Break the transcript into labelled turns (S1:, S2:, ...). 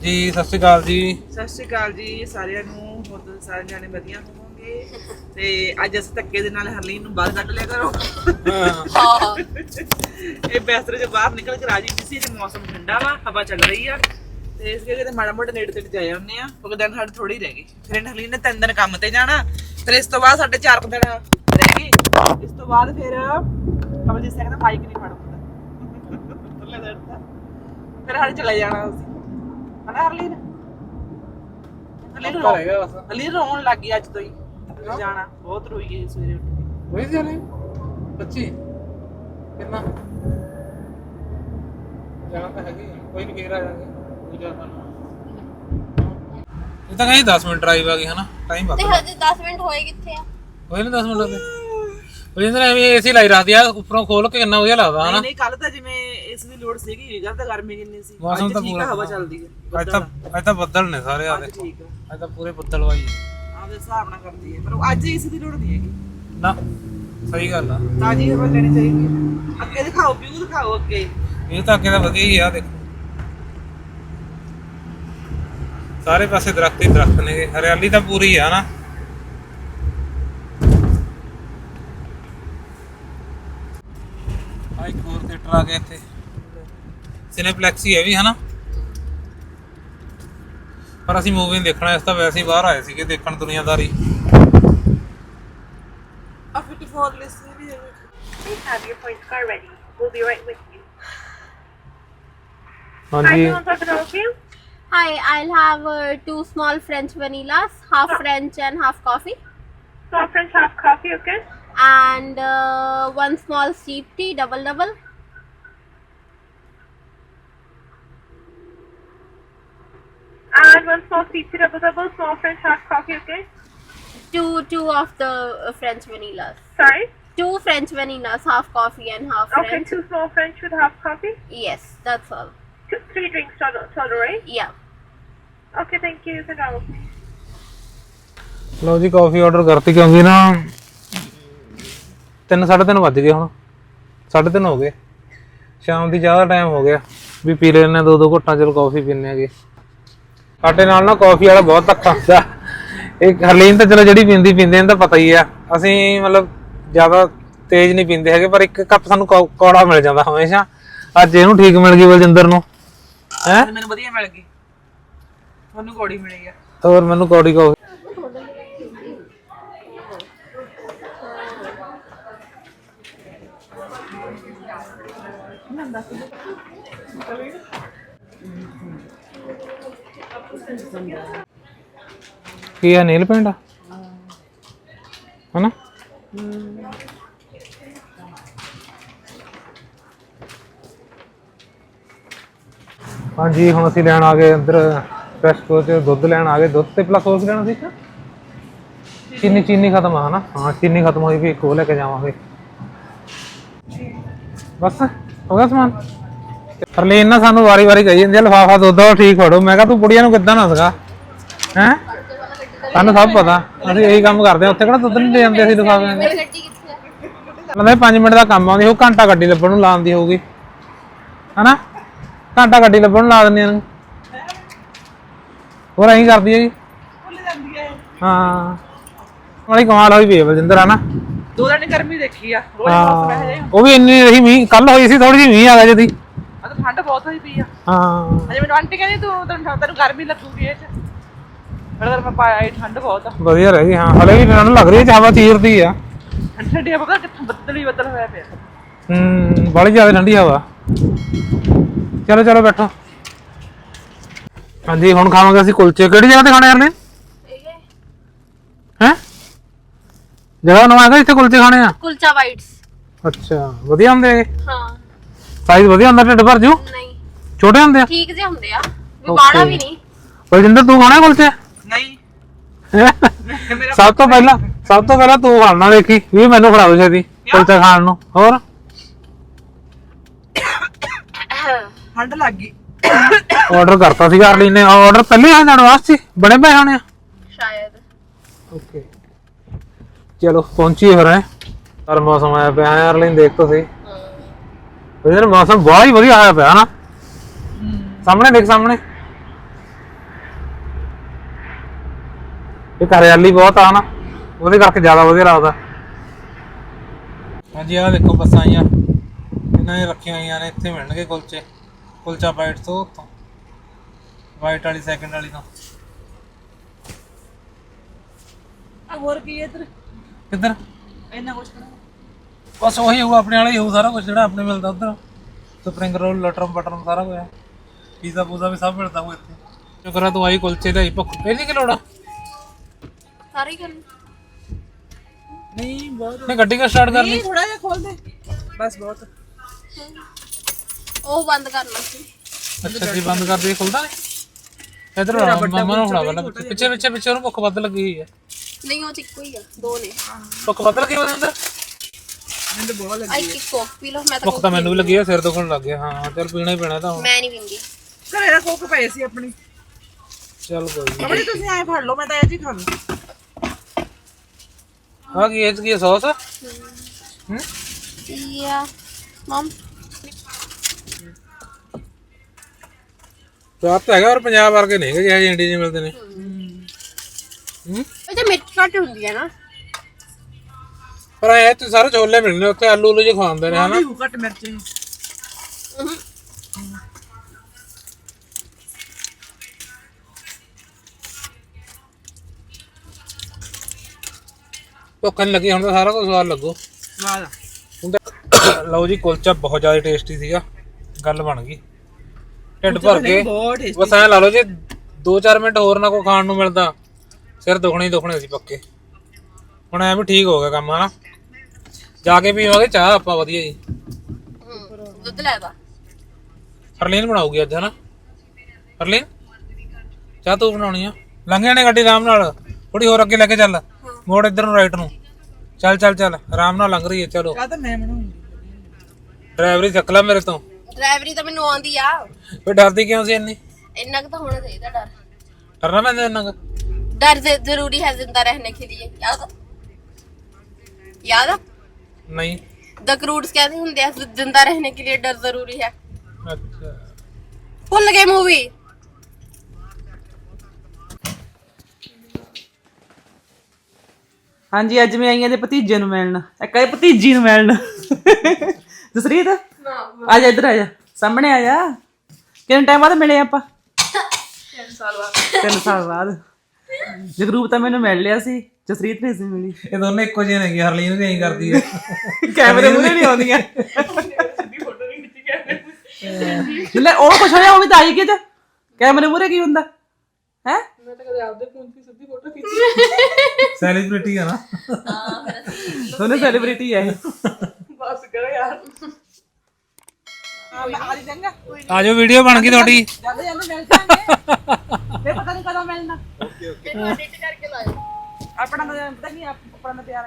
S1: ਜੀ ਸਤਿ ਸ਼੍ਰੀ ਅਕਾਲ ਜੀ।
S2: ਸਤਿ ਸ਼੍ਰੀ ਅਕਾਲ ਜੀ ਸਾਰਿਆਂ ਨੂੰ। ਹੋਰ ਤੁਸੀਂ ਸਾਰੇ ਜਾਣੇ ਵਧੀਆ ਹੋਵੋਗੇ ਤੇ ਅੱਜ ਅਸੀਂ ਧੱਕੇ ਦੇ ਨਾਲ ਹਰਲੀਨ ਨੂੰ ਬਾਹਰ ਕੱਢ ਲਿਆ ਕਰੋ।
S3: ਹਾਂ
S2: ਇਹ ਬਿਸਤਰੇ ਚੋਂ ਬਾਹਰ ਨਿਕਲ ਕੇ ਰਾਜੀ ਨਹੀਂ ਸੀ ਤੇ ਮੌਸਮ ਠੰਡਾ ਵਾ, ਹਵਾ ਚੱਲ ਰਹੀ ਆ ਤੇ ਇਸ ਕਰਕੇ ਤੇ ਮਾੜਾ ਮੋਟਾ ਨੇੜੇ ਤੇੜੇ ਜਾਏ ਆਉਂਦੇ ਆ ਕਿਉਂਕਿ ਦਿਨ ਸਾਡੇ ਥੋੜੀ ਰਹਿ ਗਏ। ਫਿਰ ਹਰਲੀਨ ਨੇ 3 ਦਿਨ ਕੰਮ ਤੇ ਜਾਣਾ, ਫਿਰ ਇਸ ਤੋਂ ਬਾਅਦ ਸਾਡੇ 4 ਦਿਨ ਰਹਿ ਗਏ। ਇਸ ਤੋਂ ਬਾਅਦ ਫਿਰ ਕਮਲਜੀਤ ਸਿੰਘ ਦਾ ਮਾਈਕ ਨਹੀਂ ਫੜ ਹੁੰਦਾ ਫਿਰ ਸਾਡੇ ਚਲੇ ਜਾਣਾ ਅਸੀਂ ਹਨਾ ਹਰਲੀਨ। ਹਰਲੀਨ ਰੋਣ ਲੱਗ ਗਈ ਅੱਜ ਤੋਂ ਹੀ ਜਾਣਾ, ਬਹੁਤ ਰੋਈ ਗਈ ਸਵੇਰੇ ਉੱਠ ਕੇ।
S1: ਹੋਈ ਸੀ ਹਲੇ ਬੱਚੀ ਕਿੰਨਾ ਜਾਣਾ ਤਾਂ ਹੈਗੀ ਕੋਈ ਨਹੀਂ, ਫੇਰ ਆ ਜਾਗੇ ਪੂਜਾ ਸਾਨੂੰ। ਇਹ ਤਾਂ ਕਹੀਂ 10 ਮਿੰਟ ਡਰਾਈਵ ਆ ਗਈ ਹਨਾ, ਟਾਈਮ
S3: ਤੇ
S1: ਬਾਕੀ
S3: ਹਜੇ 10 ਮਿੰਟ ਹੋਏ ਕਿੱਥੇ ਆ?
S1: ਹੋਏ ਨਾ 10 ਮਿੰਟ ਹੋ ਗਏ। ਜਿੰਦਰ ਐਵੇਂ ਏਸੀ ਲਾਈ ਰੱਖਦੀ ਆ ਉੱਪਰੋਂ ਖੋਲ ਕੇ ਕਿੰਨਾ ਵਧੀਆ ਲੱਗਦਾ ਹਨਾ।
S2: ਨਹੀਂ ਕੱਲ ਤਾਂ ਜਿਵੇਂ ਇਸ ਦੀ ਲੋੜ ਸੀਗੀ, ਕੱਲ ਤਾਂ ਗਰਮੀ ਕਿੰਨੀ ਸੀ।
S1: ਮੌਸਮ ਤਾਂ
S2: ਠੀਕ
S1: ਪੂਰਾ
S2: ਆ, ਹਵਾ ਚੱਲਦੀ ਹੈ।
S1: ਅੱਜ ਤਾਂ ਬੱਦਲ ਨੇ ਸਾਰੇ ਆ ਦੇਖੋ,
S2: ਠੀਕ ਆ,
S1: ਅੱਜ ਤਾਂ ਪੂਰੇ ਬੱਦਲ ਵਾਈ
S2: ਆਪਦੇ ਹਿਸਾਬ ਨਾਲ ਕਰਦੀ ਹੈ ਪਰ ਅੱਜ ਇਸ ਦੀ ਲੋੜ ਨਹੀਂ ਹੈਗੀ
S1: ਨਾ। ਸਹੀ ਗੱਲ ਆ,
S2: ਤਾਜ਼ੀ ਹਵਾ ਲੈਣੀ ਚਾਹੀਦੀ ਹੈ। ਅੱਗੇ ਦਿਖਾਓ, ਵਿਊ ਦਿਖਾਓ ਅੱਗੇ।
S1: ਇਹ ਤਾਂ ਅੱਗੇ ਤਾਂ ਵਧੀਆ ਹੀ ਆ ਦੇਖੋ, ਸਾਰੇ ਪਾਸੇ ਦਰਖਤ ਹੀ ਦਰਖਤ ਨੇ, ਹਰਿਆਲੀ ਤਾਂ ਪੂਰੀ ਆ ਨਾ। ਆ ਇੱਕ ਹੋਰ ਥੀਏਟਰ ਆ ਗਿਆ ਇੱਥੇ, ਸਿਨੇਪਲੈਕਸ ਹੀ ਹੈ ਵੀ ਹਨਾ, ਪਰ ਅਸੀਂ ਮੂਵੀ ਦੇਖਣਾ, ਇਸ ਤਾਂ ਵੈਸੇ ਹੀ ਬਾਹਰ ਆਏ ਸੀਗੇ ਦੇਖਣ ਦੁਨੀਆਦਾਰੀ।
S2: ਆ 54 ਲਿਸਟ ਵੀ ਹੈ।
S4: Please have your points card ready. We'll be right with you.
S1: ਹਾਂਜੀ
S4: Hi, can I help you?
S3: Hi, I'll have 2 small French vanillas, half French and half coffee,
S4: Small French half coffee, okay?
S3: and 1 small steep tea, double.
S4: And 1 small sweet tea double, small French half coffee, okay?
S3: Two of the French vanillas.
S4: Sorry?
S3: 2 French vanillas, half coffee and half
S4: Okay,
S3: French.
S4: 2 small French with half coffee.
S3: Yes, that's all.
S4: 3 drinks total, right?
S3: Yeah.
S4: Okay, thank you. You can go.
S1: ਲਓ ਜੀ ਕਾਫੀ order ਕਰਤੀ ਕਿਉਂਕਿ ਨਾ 3:30 ਵੱਜ ਗਏ, ਹੁਣ 3:30 ਹੋ ਗਏ, ਸ਼ਾਮ ਦੀ ਚਾਹ ਦਾ ਟਾਈਮ ਹੋ ਗਿਆ ਵੀ ਪੀ ਲੈਣੇ 2 ਘੁੱਟਾਂ, ਚਲੋ ਕਾਫੀ ਪੀਨੇ ਆਗੇ। ਸਾਡੇ ਨਾਲ ਨਾ ਕਾਫੀ ਵਾਲਾ ਬਹੁਤ ਧੱਕਾ ਹੁੰਦਾ। ਇਹ ਹਰਲੀਨ ਤਾਂ ਚਲੋ ਜਿਹੜੀ ਪੀਂਦੀ ਇਹਨੂੰ ਤਾਂ ਪਤਾ ਹੀ ਆ, ਅਸੀਂ ਮਤਲਬ ਜ਼ਿਆਦਾ ਤੇਜ਼ ਨਹੀਂ ਪੀਂਦੇ ਹੈਗੇ, ਪਰ 1 ਕੱਪ ਸਾਨੂੰ ਕੌੜਾ ਮਿਲ ਜਾਂਦਾ ਹਮੇਸ਼ਾ। ਅੱਜ ਇਹਨੂੰ ਠੀਕ ਮਿਲ ਗਈ ਬਲਜਿੰਦਰ ਨੂੰ, ਹੈ
S2: ਮੈਨੂੰ ਵਧੀਆ ਮਿਲ ਗਈ, ਤੁਹਾਨੂੰ ਕੋੜੀ ਮਿਲੀ ਆ।
S1: ਹੋਰ ਮੈਨੂੰ ਕੌੜੀ ਕਾਫੀ। ਕੀ ਆ ਨੀਲ ਪੈਂਟ ਹਨਾ? ਹਾਂਜੀ ਹੁਣ ਅਸੀਂ ਲੈਣ ਆ ਗਏ ਅੰਦਰ ਫਰੈਸ਼ਕੋ ਚ, ਦੁੱਧ ਲੈਣ ਆ ਗਏ। ਦੁੱਧ ਤੇ ਪਲੱਸ ਸੌਸ ਲੈਣਾ ਸੀ। ਚੀਨੀ ਖਤਮ ਆ ਹਨਾ? ਹਾਂ ਚੀਨੀ ਖਤਮ ਹੋਈ ਵੀ, ਇੱਕ ਉਹ ਲੈ ਕੇ ਜਾਵਾਂਗੇ। ਬਸ ਹੋ ਗਿਆ ਸਮਾਨ। ਹਰਲੀਨ ਨਾ ਸਾਨੂੰ ਵਾਰੀ ਕਹੀ ਜਾਂਦੀ ਆ ਲਿਫਾਫਾ ਦੁੱਧ ਦਾ ਠੀਕ ਫੜੋ। ਮੈਂ ਕਿਹਾ ਤੂੰ ਕੁੜੀਆਂ ਨੂੰ ਕਿੱਦਾਂ ਨਾ ਸਕਾ ਹੈ, ਸਾਨੂੰ ਸਭ ਪਤਾ, ਅਸੀਂ ਇਹੀ ਕੰਮ ਕਰਦੇ ਆ। ਉੱਥੇ ਕਿਹੜਾ ਦੁੱਧ ਨਹੀਂ ਲੈ ਜਾਂਦੇ ਅਸੀਂ ਲਿਫਾਫੇ।
S3: ਗੱਡੀ ਕਿੱਥੇ ਆ?
S1: ਮਤਲਬ 5 ਮਿੰਟ ਦਾ ਕੰਮ ਆਉਂਦੀ, ਉਹ ਘੰਟਾ ਗੱਡੀ ਲੱਭਣ ਨੂੰ ਲਾਉਂਦੀ ਹੋਊਗੀ ਹਨਾ? ਘੰਟਾ ਗੱਡੀ ਲੱਭਣ ਨੂੰ ਲਾ ਦਿੰਦੀ ਆ, ਹੋਰ ਐਂ ਕਰਦੀ ਹੈ ਜੀ। ਹਾਂ ਬੜੀ ਕਮਾਲ ਹੋਈ ਪਈ ਬਲਜਿੰਦਰ ਹਨਾ?
S2: 2 ਦਿਨ ਗਰਮੀ ਦੇਖੀ ਆ, ਰੋਜ਼ ਮੌਸਮ ਇਹੋ ਜਿਹਾ।
S1: ਉਹ ਵੀ ਇੰਨੀ ਰਹੀ, ਮੀਂਹ ਕੱਲ ਹੋਈ ਸੀ, ਥੋੜੀ ਜਿਹੀ ਮੀਂਹ ਆ ਗਿਆ ਜਦੀ।
S2: ਆ ਤਾਂ ਠੰਡ ਬਹੁਤ ਹੋਈ ਪਈ ਆ।
S1: ਹਾਂ
S2: ਅਜੇ ਮੈਨੂੰ ਆਂਟੀ ਕਹਿੰਦੀ ਤੈਨੂੰ ਗਰਮੀ ਲੱਗੂਗੀ ਇਹ ਚ, ਫਿਰ ਮੈਂ ਪਾਇਆ ਇਹ ਠੰਡ ਬਹੁਤ ਆ।
S1: ਵਧੀਆ ਰਹਿ ਗਈ। ਹਾਂ ਹਲੇ ਵੀ ਠੰਡ ਲੱਗ ਰਹੀ ਹੈ, ਹਵਾ ਚੀਰਦੀ ਆ।
S2: ਠੰਡੀ ਆ, ਪਤਾ ਕਿੱਥੋਂ ਬੱਦਲ ਹੀ ਬੱਦਲ ਹੋਇਆ ਪਿਆ।
S1: ਬੜੀ ਜ਼ਿਆਦਾ ਠੰਡੀ ਹਵਾ। ਚਲੋ ਬੈਠੋ। ਹਾਂਜੀ ਹੁਣ ਖਾਵਾਂਗੇ ਅਸੀਂ ਕੁਲਚੇ। ਕਿਹੜੀ ਜਗ੍ਹਾ ਤੇ ਖਾਣੇ ਯਾਰ ਨੇ? ਹੈ ਜਗ੍ਹਾ ਨਵਾਂ ਹੈਗਾ ਇੱਥੇ ਕੁਲਚੇ ਖਾਣੇ ਆ?
S3: ਕੁਲਚਾ ਵਾਈਟਸ।
S1: ਅੱਛਾ ਵਧੀਆ ਹੁੰਦੇ ਹੈਗੇ?
S3: ਹਾਂ।
S1: ਸਾਈਜ਼ ਵਧੀਆ ਹੁੰਦਾ, ਢਿੱਡ ਭਰ ਜੂ?
S3: ਨਹੀਂ,
S1: ਛੋਟੇ ਹੁੰਦੇ ਆ?
S3: ਠੀਕ ਜਿਹੇ ਹੁੰਦੇ ਆ, ਵੀ ਬਾੜਾ ਵੀ ਨਹੀਂ।
S1: ਬਲਜਿੰਦਰ ਤੂੰ ਖਾਣਾ ਕੁਲਚੇ?
S2: ਨਹੀਂ
S1: ਸਭ ਤੋਂ ਪਹਿਲਾਂ ਤੂੰ ਖਾਣਾ, ਦੇਖੀ ਵੀ ਮੈਨੂੰ ਖੜਾ ਦੋ ਛੇਤੀ ਕੁਲਚਾ ਖਾਣ ਨੂੰ। ਹੋਰ
S2: ਠੰਡ ਲੱਗ ਗਈ।
S1: ਆਰਡਰ ਕਰਤਾ ਸੀਗਾ ਹਰਲੀਨ ਨੇ। ਆਰਡਰ ਪਹਿਲੇ ਆ ਜਾਣ ਵਾਸਤੇ ਬਣੇ ਪਏ ਹੋਣੇ ਆ
S3: ਸ਼ਾਇਦ।
S1: ਓਕੇ ਚਲੋ ਪਹੁੰਚੀਏ ਫਿਰ। ਪਰ ਮੌਸਮ ਆਇਆ ਪਿਆ ਹੈ ਹਰਲੀਨ, ਦੇਖ ਤਾਂ ਸਹੀ ਮੌਸਮ ਬਹੁਤ ਹੀ ਵਧੀਆ ਆਇਆ ਪਿਆ ਨਾ। ਸਾਹਮਣੇ ਦੇਖ, ਸਾਹਮਣੇ ਇੱਕ ਹਰਿਆਲੀ ਬਹੁਤ ਆ ਨਾ, ਉਹਦੇ ਕਰਕੇ ਜ਼ਿਆਦਾ ਵਧੀਆ ਲੱਗਦਾ। ਹਾਂਜੀ ਆਹ ਦੇਖੋ ਬੱਸਾਂ ਆਈਆਂ, ਇਹਨਾਂ ਨੇ ਰੱਖੀਆਂ ਹੋਈਆਂ ਨੇ, ਇੱਥੇ ਮਿਲਣਗੇ ਕੁਲਚੇ, ਕੁਲਚਾ ਬਾਈਟ ਤੋਂ ਉੱਥੋਂ, ਵਾਈਟ ਵਾਲੀ ਸੈਕਿੰਡ ਵਾਲੀ ਤੋਂ।
S2: ਆ ਹੋਰ ਕੀ ਹੈ ਇੱਧਰ
S1: ਕਿੱਧਰ?
S2: ਇੰਨਾ ਕੁਛ ਕਰਾ
S1: ਬਸ ਉਹੀ ਹੋਊ, ਆਪਣੇ ਵਾਲਾ ਹੀ ਹੋਊ ਸਾਰਾ ਕੁਝ ਜਿਹੜਾ ਆਪਣੇ ਮਿਲਦਾ ਉੱਧਰ। ਸਪਰਿੰਗ ਰੋਲ, ਲਟਰਮ ਬਟਰਮ ਸਾਰਾ ਕੁਝ, ਪੀਜ਼ਾ ਪੂਜ਼ਾ ਵੀ ਸਭ ਮਿਲਦਾ ਹੋਊ ਇੱਥੇ। ਸ਼ੁਕਰ ਆ ਤੂੰ ਆਈ ਕੁਲਚੇ ਦਾ ਹੀ ਭੁੱਖ ਪਹਿਲੀ ਕਿ ਲੋੜਾ
S3: ਸਾਰੀ ਕਰ
S2: ਨਹੀਂ ਬਹੁਤ
S1: ਨਹੀਂ ਗੱਡੀ ਕਾ ਸਟਾਰਟ ਕਰਨੀ।
S2: ਨਹੀਂ ਥੋੜਾ ਜਿਹਾ ਖੋਲ ਦੇ ਬਸ ਬਹੁਤ
S3: ਉਹ ਬੰਦ ਕਰਨਾ ਸੀ।
S1: ਅੱਛਾ ਜੀ ਬੰਦ ਕਰ ਦੇ, ਖੁੱਲਦਾ ਨਹੀਂ ਇਧਰ। ਮਾਮਾ ਨੂੰ ਫੜਾ ਪਹਿਲਾਂ, ਪਿੱਛੇ ਪਿੱਛੇ ਪਿੱਛੇ ਉਹਨੂੰ ਭੁੱਖ ਵੱਧ ਲੱਗੀ ਹੋਈ ਹੈ।
S3: ਨਹੀਂ ਉਹ ਚ ਇੱਕੋ ਹੀ ਆ, ਦੋ ਨੇ।
S1: ਭੁੱਖ ਵੱਧ ਲੱਗੀ ਉਹਦੇ ਅੰਦਰ।
S2: ਮੈਨੂੰ ਤਾਂ ਬਹੁਤ
S3: ਆਈ ਇੱਕ ਕੋਕ ਪੀ ਲਓ। ਮੈਂ ਤਾਂ
S1: ਭੁੱਖ ਤਾਂ ਮੈਨੂੰ ਵੀ ਲੱਗੀ ਹੈ, ਸਿਰ ਦੁਖਣ ਲੱਗ ਗਿਆ। ਹਾਂ ਚੱਲ ਪੀਣਾ ਹੀ ਪੈਣਾ ਤਾਂ ਹੁਣ।
S3: ਮੈਂ ਨਹੀਂ ਪੀਂਦੀ।
S2: ਘਰੇ ਦਾ ਕੋਕ ਪਏ ਸੀ ਆਪਣੀ।
S1: ਚੱਲ ਕੋਈ ਨਹੀਂ।
S2: ਅਮਰੀ ਤੁਸੀਂ ਐ ਫੜ ਲਓ, ਮੈਂ ਤਾਂ ਇਹ ਜੀ ਖਾ ਲੂ।
S1: ਆ ਕੀ ਇਹ 'ਚ ਕੀ ਹੈ, ਸੌਸ? ਹੂੰ
S3: ਯਾ ਮਮ
S1: ਸਵਾਦ ਤਾਂ ਹੈਗਾ, ਪਰ ਪੰਜਾਬ ਵਰਗੇ ਨਹੀਂ ਹੈਗੇ ਜਿਹੇ ਇੰਡੀਆ 'ਚ ਮਿਲਦੇ ਨੇ। ਹੂੰ
S3: ਇਹ ਤੇ ਮਿਰਚ ਘੱਟ ਹੁੰਦੀ ਹੈ ਨਾ।
S1: ਪਰ ਐ ਤੇ ਸਾਰੇ ਛੋਲੇ ਮਿਲਣੇ ਉੱਥੇ, ਆਲੂ ਉਲੂ ਜੇ ਖਾਂਦੇ ਨੇ ਹਨਾ।
S2: ਘੱਟ ਮਿਰਚ
S1: ਭੁੱਖ ਨਹੀਂ ਲੱਗੀ, ਹੁਣ ਤਾਂ ਸਾਰਾ ਕੁਝ ਸਵਾਦ ਲੱਗੂ।
S2: ਵਾਹ
S1: ਹੁਣ ਤਾਂ ਲਓ ਜੀ, ਕੁਲਚਾ ਬਹੁਤ ਜ਼ਿਆਦਾ ਟੇਸਟੀ ਸੀਗਾ, ਗੱਲ ਬਣ ਗਈ, ਢਿੱਡ ਭਰ ਕੇ।
S2: ਬਹੁਤ ਟੇਸਟੀ।
S1: ਬਸ ਐਂ ਲਾ ਲਓ, ਜੇ 2-4 ਮਿੰਟ ਹੋਰ ਨਾ ਕੋਈ ਖਾਣ ਨੂੰ ਮਿਲਦਾ, ਸਿਰ ਦੁਖਣੇ ਹੀ ਦੁਖਣੇ ਸੀ ਪੱਕੇ। ਹੁਣ ਐ ਵੀ ਠੀਕ ਹੋ ਗਿਆ ਕੰਮ ਹਨਾ। ਜਾ ਕੇ ਪੀਵਾਂਗੇ ਚਾਹ ਆਪਾਂ ਵਧੀਆ ਜੀ।
S3: ਦੁੱਧ ਲੈ ਦਾ।
S1: ਹਰਲੀਨ ਬਣਾਉਗੀ ਅੱਜ ਹਨਾ। ਹਰਲੀਨ ਚਾਹ ਤੂੰ ਬਣਾਉਣੀ ਆ। ਲੰਘ ਜਾਣੇ ਗੱਡੀ ਆਰਾਮ ਨਾਲ, ਥੋੜੀ ਹੋਰ ਅੱਗੇ ਲੈ ਕੇ ਚੱਲ, ਮੋੜ ਇੱਧਰ ਨੂੰ ਰਾਈਟ ਨੂੰ। ਚੱਲ ਚੱਲ ਚੱਲ, ਆਰਾਮ ਨਾਲ ਲੰਘ ਰਹੀ ਹੈ। ਚਲੋ
S2: ਚਾਹ ਤਾਂ ਮੈਂ ਬਣਾਉਂਗੀ।
S1: ਡਰਾਈਵਰੀ ਸਿੱਖ ਲੈ ਮੇਰੇ ਤੋਂ।
S3: ਡਰਾਈਵਰੀ ਤਾਂ ਮੈਨੂੰ ਆਉਂਦੀ ਆ।
S1: ਫਿਰ ਡਰਦੀ ਕਿਉਂ ਸੀ ਇੰਨੀ?
S3: ਇੰਨਾ ਕੁ ਤਾਂ ਹੋਣਾ ਚਾਹੀਦਾ ਡਰ।
S1: ਡਰਨਾ ਪੈਂਦਾ ਇੰਨਾ ਕੁ?
S3: डर जरूरी है जिंदा रहने के लिए। याद है?
S1: नहीं।
S3: द क्रूड्स कहते हैं जिंदा रहने के लिए डर जरूरी है।
S1: अच्छा
S3: भूल गए मूवी।
S2: ਹਾਂਜੀ ਅੱਜ ਮੈਂ ਆਈਆਂ ਦੇ ਭਤੀਜੇ ਨੂੰ ਮਿਲਣ, ਇੱਕ ਇਹ ਭਤੀਜੀ ਨੂੰ ਮਿਲਣ। ਜਸਰੀਤ ਆ ਜਾ, ਇੱਧਰ ਆ ਜਾ, ਸਾਹਮਣੇ ਆ ਜਾ। ਕਿੰਨੇ ਟਾਈਮ ਬਾਅਦ ਮਿਲੇ ਆਪਾਂ? 3 ਸਾਲ ਬਾਅਦ। ਜਗਰੂਪ ਤਾਂ ਮੈਨੂੰ ਮਿਲ ਲਿਆ ਸੀ, ਜਸਰੀਤ ਨਹੀਂ ਸੀ ਮਿਲੀ।
S1: ਇਹ ਦੋਨੇ ਇੱਕੋ ਜਿਹੇ ਨੇ, ਹਰਲੀਨ ਵੀ ਐਂ ਕਰਦੀ ਹੈ।
S2: ਕੈਮਰੇ ਮੂਹਰੇ ਨਹੀਂ ਆਉਂਦੀਆਂ। ਜਿੱਲੇ ਉਹ ਕੁਛ ਹੋਇਆ, ਉਹ ਵੀ ਤਾਂ ਆਈ ਕਿ ਕੈਮਰੇ ਮੂਹਰੇ ਕੀ ਹੁੰਦਾ ਹੈ? ਮੈਂ ਤਾਂ ਕਦੇ ਆਪਦੇ ਫੋਨ ਤੇ ਸਿੱਧੀ ਫੋਟੋ ਖਿੱਚੀ।
S1: ਸੈਲੀਬ੍ਰਿਟੀ ਹੈ ਨਾ।
S2: ਦੋਨੇ ਸੈਲੀਬ੍ਰਿਟੀ ਹੈ। ਬਸ ਕਰੋ ਯਾਰ। ਆ ਜਾਏਗਾ।
S1: ਆ ਜਾਓ, ਵੀਡੀਓ ਬਣ ਗਈ ਤੁਹਾਡੀ।
S2: ਜਾਂਦੇ ਜਾਂਦੇ ਮਿਲ ਜਾਾਂਗੇ। ਮੈਂ ਪਤਾ ਨਹੀਂ ਕਦੋਂ ਮਿਲਣਾ।
S3: ਇਹਨੂੰ ਐਡਿਟ ਕਰਕੇ ਲਾਇਓ।
S2: ਆਪਣਾ ਤਾਂ ਪਤਾ ਨਹੀਂ, ਆਪਣਾ ਤਾਂ ਪਿਆਰ